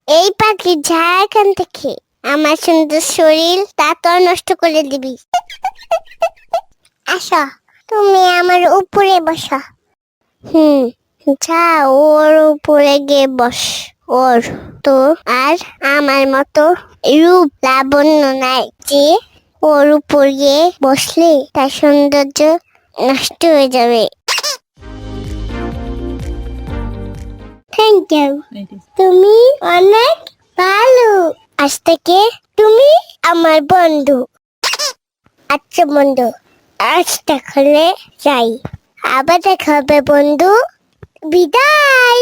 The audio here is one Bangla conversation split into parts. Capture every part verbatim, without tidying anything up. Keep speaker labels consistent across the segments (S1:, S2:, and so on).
S1: এই পাখি যা এখান থেকে, আমার সুন্দর শরীর তা তো নষ্ট করে দিবি। আসো, তুমি আমার উপরে বসো। হুম, যা ওর উপরে গিয়ে বস। ওর তো আর আমার মতো রূপ লাবণ্য নাই যে ওর উপর গিয়ে বসলে তার সৌন্দর্য নষ্ট হয়ে যাবে। থ্যাংক ইউ, তুমি অনেক ভালো। আজ থেকে তুমি আমার বন্ধু। আচ্ছা বন্ধু, আজ তাহলে যাই, আবার দেখা হবে বন্ধু। বিদায়।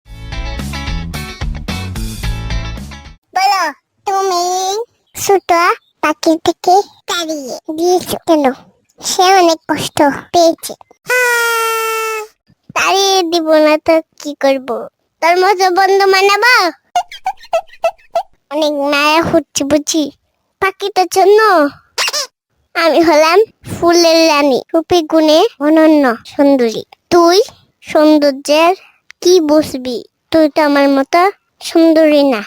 S1: বলো, তুমি ছোট পাখি থেকে তাড়িয়ে দিয়েছো কেন? সে অনেক কষ্ট পেয়েছে। তাড়িয়ে দিব না তো কি করব? তোর মতো বন্ধু মানাবো? অনেক মায়া হচ্ছে বুঝি পাখিটার জন্য। আমি হলাম ফুলের রানী, রূপে গুণে অনন্য সুন্দরী। তুই সৌন্দর্যের কি বুঝবি? তুই তো আমার মতো সুন্দরী না।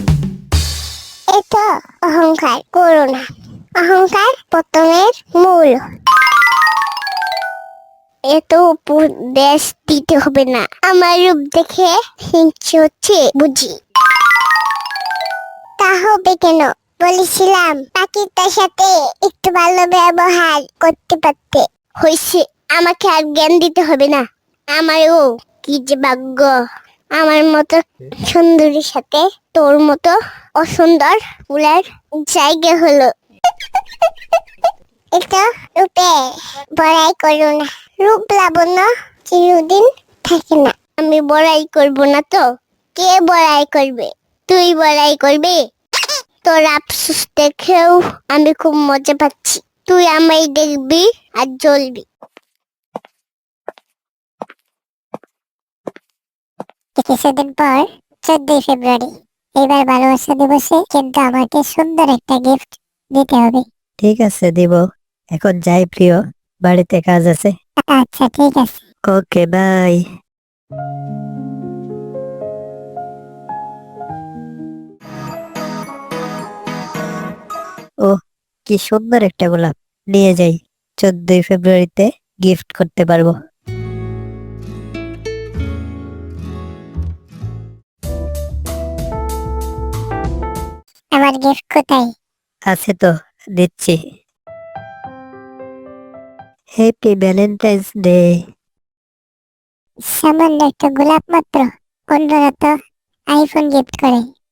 S1: এটা অহংকার করো না, অহংকার পতনের মূল। এত উপদেশ দিতে হবে না, আমার রূপ দেখে হিংসে হচ্ছে বুঝি। তা হবে কেন? বলেছিলাম পাখিটার সাথে একটু ভালো ব্যবহার করতে পারতে। হয়েছে, আমাকে আর জ্ঞান দিতে হবে না। আমারও কি যে ভাগ্য, আমার মতো সুন্দরীর সাথে তোর মতো অসুন্দর ফুলের জায়গা হলো। এটা রূপে বড়াই করো না, রূপ লাবণ্য চিরদিন থাকে না। আমি বড়াই করব না তো কে বড়াই করবে? তুই বড়াই করবি? তোর আফসোস দেখেও আমি খুব মজা পাচ্ছি। তুই আমায় দেখবি আর জ্বলবি। কিছুদিন পর চোদ্দই ফেব্রুয়ারি, এবার ভালোবাসা দিবসে কিন্তু আমাকে সুন্দর একটা গিফট দিতে হবে।
S2: ঠিক আছে, দিব। এখন যাই প্রিয়, বাড়িতে কাজ আছে।
S1: আচ্ছা ঠিক আছে।
S2: ওকে, বাই। ও, কি সুন্দর একটা গোলাপ, নিয়ে যাই। চোদ্দই ফেব্রুয়ারিতে গিফট করতে পারবো।
S1: আমার গিফট কোথায়?
S2: আছে তো, দিচ্ছি। Happy Valentine's day.
S1: সামান্য একটা গোলাপ মাত্র, অন্যরা তো আইফোন গিফট করে।